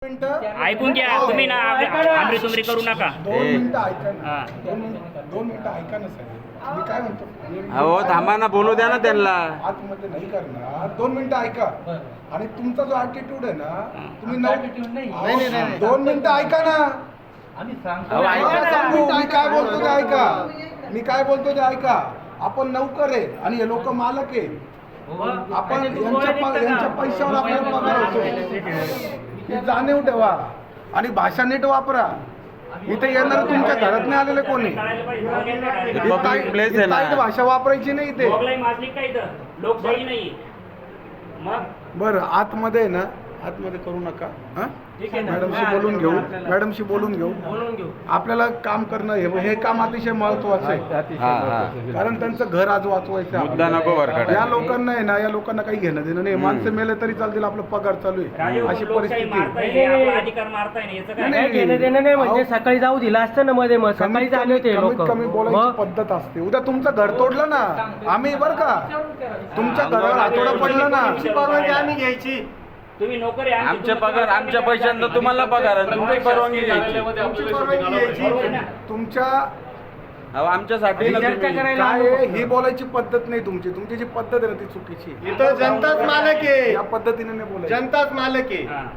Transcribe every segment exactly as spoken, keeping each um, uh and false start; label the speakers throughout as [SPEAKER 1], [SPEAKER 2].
[SPEAKER 1] ऐकून घ्या तुम्ही ना आमरी तुमरी करू नका.
[SPEAKER 2] दोन मिनिटं ऐका ना. दोन मिनिटं दोन मिनिटं ऐका ना साहेब. मी काय म्हणतो
[SPEAKER 3] अहो थांबा ना, बोलू द्या ना त्यांना.
[SPEAKER 2] आतमध्ये नाही करणार. दोन मिनिटं ऐका. आणि तुमचा जो ॲटिट्यूड आहे ना, तुम्ही नऊ दोन मिनिटं ऐका ना.
[SPEAKER 4] आम्ही
[SPEAKER 2] अहो, सांगू मी काय बोलतो ते ऐका. मी काय बोलतो ते ऐका. आपण नौकर आहे आणि हे लोक मालक आहे. आपण यांच्या प- यांच्या पैशावर आपल्याला पगार होतो. ही जाणीव ठेवा आणि भाषा नीट वापरा. इथे येणार तुमच्या घरात नाही आलेले कोणी.
[SPEAKER 3] पब्लिक प्लेस आहे ना.
[SPEAKER 2] ताईट भाषा वापरायची नाही इथे.
[SPEAKER 1] लोकशाही नाही. मग
[SPEAKER 2] बरं आतमध्ये आहे ना, आतमध्ये करू नका. हा मॅडमशी बोलून घेऊ. मॅडमशी बोलून घेऊ. आपल्याला काम करणं हे हे काम अतिशय महत्वाचं आहे.
[SPEAKER 3] हा हा
[SPEAKER 2] कारण त्यांचं घर आज वाचवायचं आहे.
[SPEAKER 3] मुद्दा नको बरं
[SPEAKER 2] या लोकांना आहे ना, या लोकांना काही घेणं देणं नाही. माणसं मेले तरी चालतील, आपलं पगार चालू आहे अशी परिस्थिती आहे.
[SPEAKER 1] अधिकार मारताय ना याचं
[SPEAKER 2] नाही,
[SPEAKER 1] काय.
[SPEAKER 2] नाही,
[SPEAKER 4] घेणं देणं नाही म्हणजे
[SPEAKER 2] अहो,
[SPEAKER 4] सकाळी जाऊ दिला असतं ना मध्ये, मग सकाळी
[SPEAKER 2] कमीत
[SPEAKER 4] आले होते
[SPEAKER 2] कमी-
[SPEAKER 4] लोक.
[SPEAKER 2] कमीत कमी बोलायची पद्धत असते. उद्या तुमचं घर तोडलं ना, आम्ही बरं का, तुमच्या घरावर हातोडा पडला ना,
[SPEAKER 4] परवानगी आम्ही घ्यायची.
[SPEAKER 1] तुम्ही नोकरी आहे,
[SPEAKER 3] आमचे पगार आमच्या पैशांना तुम्हाला पगार आहे, तुमची परवानगी घ्यायची.
[SPEAKER 2] तुमची परवानगी घ्यायची. तुमच्या
[SPEAKER 3] अहो आमच्यासाठी ना
[SPEAKER 4] चर्चा
[SPEAKER 3] तुम्ही.
[SPEAKER 4] करायला
[SPEAKER 2] काय आहे, ही बोलायची पद्धत नाही तुमची. तुमची जी पद्धत आहे ना ती चुकीची आहे.
[SPEAKER 5] इथं जनताच मालक आहे.
[SPEAKER 2] या पद्धतीने नाही बोलायचं.
[SPEAKER 5] जनताच मालक आहे.
[SPEAKER 1] हा.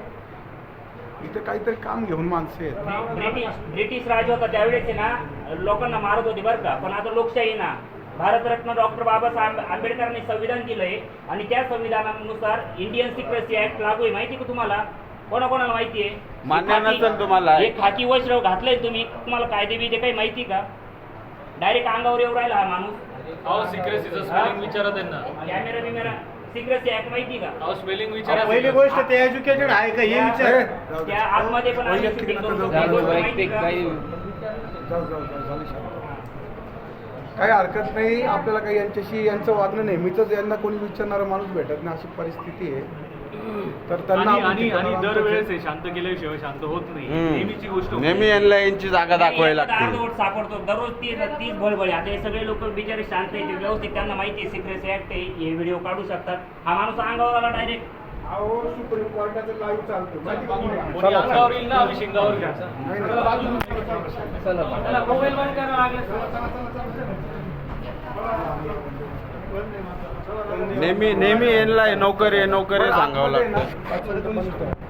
[SPEAKER 2] इथे काहीतरी काम घेऊन माणसं आहेत.
[SPEAKER 1] ब्रिटिश ब्रिटिश राज होता त्यावेळेस आहे ना, लोकांना मारत होती बरं का. पण आता लोकशाही ना, भारतरत्न डॉक्टर बाबासाहेब आंबेडकरांनी संविधान दिलंय आणि त्या संविधानानुसार इंडियन सिक्रेसी ऍक्ट लागू आहे. माहिती का तुम्हाला? कोणाकोणाला माहिती आहे?
[SPEAKER 3] मान्य नसेल तुम्हाला.
[SPEAKER 1] हे खाकी वस्त्र घातलंय तुम्ही, तुम्हाला कायदे बिदे काही माहिती का? डायरेक्ट अंगावर येऊ राहिला हा माणूस.
[SPEAKER 6] अहो सिक्रेसीचं स्पेलिंग विचारा त्यांना.
[SPEAKER 1] कॅमेरा बिमेरा सिक्रेसी ऍक्ट माहिती का?
[SPEAKER 6] अहो स्पेलिंग विचारा.
[SPEAKER 5] पहिली गोष्ट ते एज्युकेटेड आहे का हे विचार.
[SPEAKER 1] त्या आतमध्ये पण आम्ही shooting करू शकतो. हे गोष्ट माहिती का?
[SPEAKER 2] जाऊ जाऊ जाऊ झाली शांत. काही हरकत नाही. आपल्याला काही यांच्याशी यांचं वागणं नेहमीच यांना कोणी विचारणारा माणूस भेटत नाही अशी परिस्थिती आहे. तर त्यांना
[SPEAKER 6] आणि
[SPEAKER 2] आपण
[SPEAKER 6] आणि
[SPEAKER 2] ठिकाणावर
[SPEAKER 6] आणि
[SPEAKER 2] आणतो.
[SPEAKER 6] दरवेळेस हे शांत केल्याशिवाय शांत होत नाही. नेहमीची गोष्ट
[SPEAKER 3] हम्म.
[SPEAKER 6] होती.
[SPEAKER 3] नेहमी यांना यांची जागा दाखवायला लागते.
[SPEAKER 1] अर्धवट सापडतो दररोज तीस तीस बळबळी. आता हे सगळे लोक बिचारे शांत आहेत, व्यवस्थित त्यांना माहिती आहे सिक्रेसी ऍक्ट आहे, हे व्हिडिओ काढू शकतात. हा माणूस अंगावर आला डायरेक्ट.
[SPEAKER 2] अहो सुप्रीम कोर्टाचं लाईव्ह चालतं माहिती का तुम्हाला?
[SPEAKER 6] कोणी अंगावर येईल ना, आम्ही शिंगावर घ्या.
[SPEAKER 2] नाही, नाही, बाजूला चला, चला, चला.
[SPEAKER 4] त्याला मोबाईल बंद करावं लागलं.
[SPEAKER 3] नेहमी नेहमी यांना नोकरी आहे नोकरी सांगावं लागतं.
[SPEAKER 2] पाच मिनिटं बंद करा.